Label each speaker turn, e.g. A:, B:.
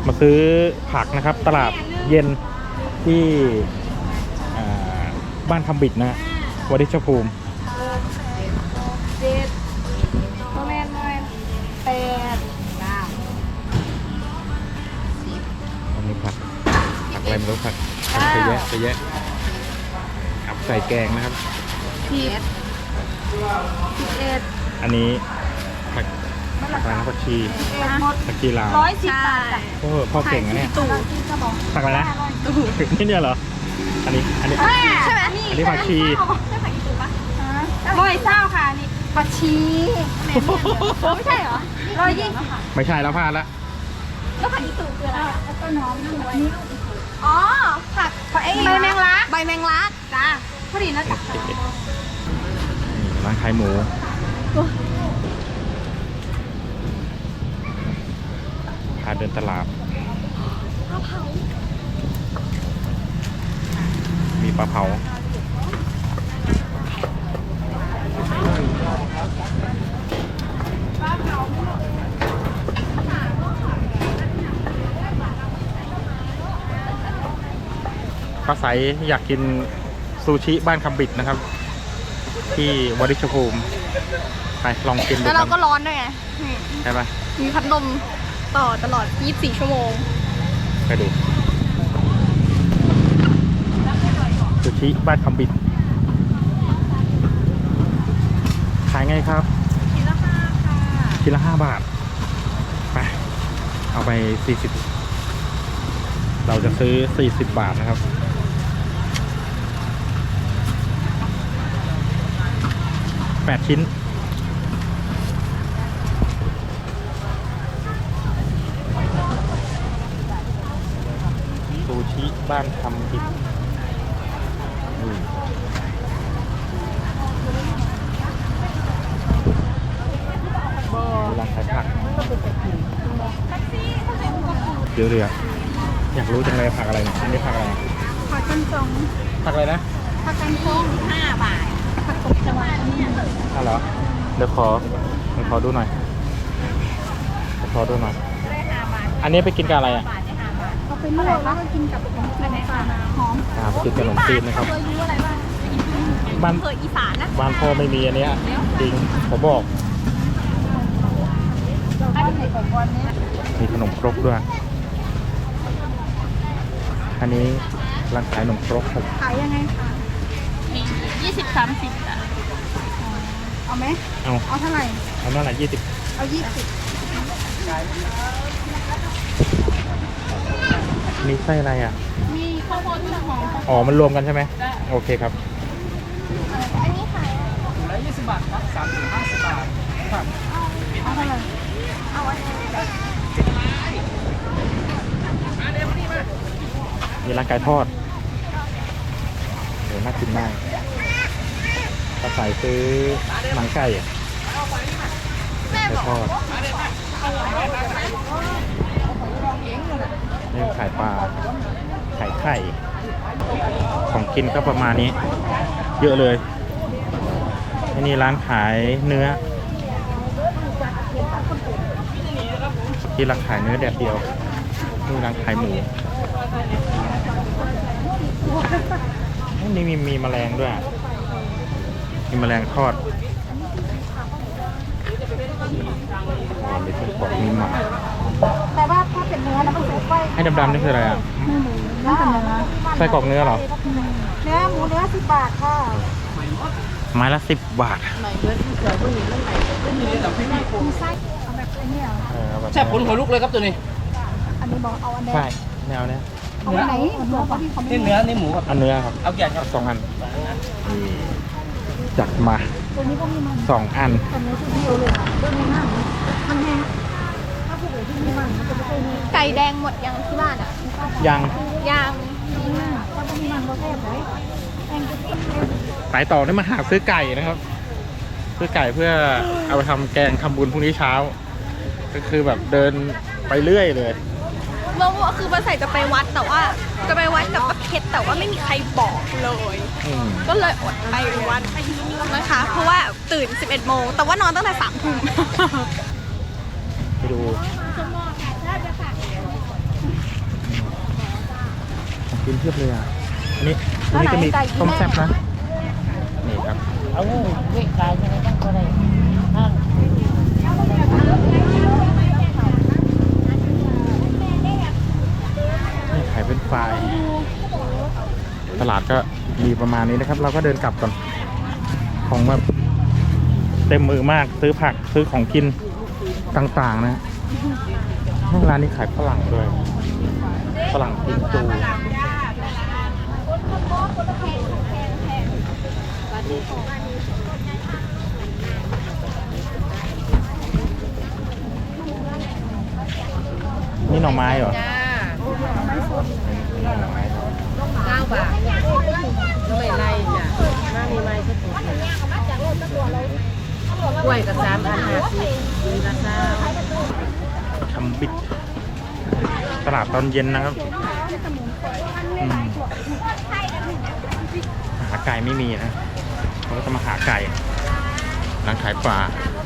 A: มาซื้อผักนะครับตลาดเย็นที่บ้านคำบิดนะวดิชภูมิ
B: 7ประมาณ8 9
A: อันนี้ผักอะไรไม่รู้ผักไปแยะครับใส่แกงนะครับ
B: 11
A: อันนี้ผักอะไรนะผักชีผักชีลาว
B: 110 บาทจ้ะ
A: โอ้พ่อเก่งนะเนี่ยผักอะไรนะนี่เนี่ยเหรออันนี้
B: ใช่ไหม
A: อันนี้ผักชี
B: ใช่ผักอีตูปะ120ค่ะนี่ผักชีไม่ใช่เหรอ120
A: ไม่ใช่แล้วพลาดละ
B: แล้วผักอีตูคืออะไรแล้วก็น้อมด้วยอ๋อผักใบแมงลักจ้าพอดีนะจ๊ะ
A: ร้านขายหมูพาเดินตลาดมีปลาเผาป้าใสอยากกินซูชิบ้านคำบิดนะครับ ที่วดิชภูมิไปลองกินดูกัน
B: แล้วเราก็ร้อนด้วยไง
A: ใช่ปะ
B: มีพัดลมต่อตลอด24 ชั่วโมง
A: ไปดูซูชิบ้านคำบิดขายไงครับ
B: ชิ้นละ5ค่ะ
A: ชิ้นละ5 บาทไปเอาไป40เราจะซื้อ40 บาทนะครับ8 ชิ้นซูชิบ้านคำบิดร้านขายผักเดี๋ยวอยากรู้จังเลยผักอะไรเนี่ยอันนี้ผักอะไร
B: ผักกันจง
A: ผักอะไรนะ
B: ผักกันจง5 บาทผักตบชวาเนี่ย
A: อ๋อเหรอเดี๋ยวขอดูหน่อย
B: ได้5 บาท
A: อันนี้ไปกินกับอะไรอ่ะ
B: เอาไปลวกแล้วก็กินกับขนมจีนหอม
A: ไปกินขนมจีนนะครับ
B: บ้านเคยอีสานนะ
A: บ้านพ่อไม่มีอันนี้จริงผมบอกมีขนมครกด้วยอันนี้ร้านขายขนมครกครับ
B: ขายยังไงคะ20-30อ่ะเอาไหมเอาเท่าไหร่
A: เอาเท่าไหร่20
B: เอา20
A: มีไส้อะไรอ่ะ
B: มีข้าวโพดหอม
A: อ๋อมันรวมกันใช่ไหมโอเคครับ
B: อันนี้ขาย
C: ละ20 บาทครับ30-50 บาทครับ
B: เอาเท่าไหร่เอาอันนี้
A: มีร้านไก่ทอดเดี๋ยวน่ากินมากป้าใส่ซื้อหนังไก่ไก่ทอดนี่ขายปลาขายไข่ของกินก็ประมาณนี้เยอะเลยนี่ร้านขายเนื้อที่ร้านขายเนื้อแดดเดียวนี่ร้านขายหมูนี่มีแมลงด้วยมีแมลงทอดมีทุกของมีหมา
B: แต่ว่าถ้าเป็นเนื้อแล้วมันจะไส้
A: ให้ดำๆนี่คืออะไรอ่ะ
B: เนื้อ
A: ไส้กรอกเนื้อเหรอ
B: เนื้อหมูเนื้อ10 บาทค่ะ
A: ไม้ละ10 บาท
B: ไส้เอาแบบนี้เหรอ
C: แช่ผลหัวลุกเลยครับตัวนี้
B: อันนี้บอกเอาอันนี้
A: ใช่แนวเนี้ย
B: เอาไหน
C: นี่เนื้อนี่หมูครับ
A: อันเนื้อครับ
C: เอากี่อันครับ
A: 2 อันจัดมา
B: ตัวนี้ก็มีมัน
A: 2 อัน
B: ตัวนี้คือเดียวเลยตัวนี้น่ามันแห้งถ้าผู้ใหญ่ที่มีมันจะไม่ค่อยมีไก่แดงหมดยังที่บ้านอ่ะ
A: ยัง
B: ถ้าไม่มีมันก็แซ่บเลย
A: ไปต่อได้มาหาซื้อไก่นะครับซื้อไก่เพื่อเอาไปทำแกงทำบุญพรุ่งนี้เช้าก็คือแบบเดินไปเรื่อยเลย
B: เมื่อวานคือป้าใส่จะไปวัดแต่ว่าจะไปวัดกับป้าเพชรแต่ว่าไม่มีใครบอกเลยก็เลยอดไปวัดนะคะเพราะว่าตื่น 11 โมงแต่ว่านอนตั้งแต่ 3 ทุ่ม
A: ไปดูกินเทียบเลยอ่ะอันนี้ตรงนี้จะมีต้มแซ่บนะ นี่ครับ
D: เอาเวกกายยังไงต้องก็ได้ห้าง
A: นี่ขายเป็นไฟรายตลาดก็มีประมาณนี้นะครับ เราก็เดินกลับก่อน ของแบบเต็มมือมาก ซื้อผักซื้อของกินต่างๆนะร้านนี้ขายฝรั่งด้วย ฝรั่งกินจูนี่หน่อไม้เหรอ
D: 9 บาทไม่ไล่จ้ะมามีไม้ก็ถูกกล้วยกับ3,050มีละเจ้า
A: ทำบิดตลาดตอนเย็นนะครับหาไก่ไม่มีนะเราก็จะมาหาไก่ร้านขายปลา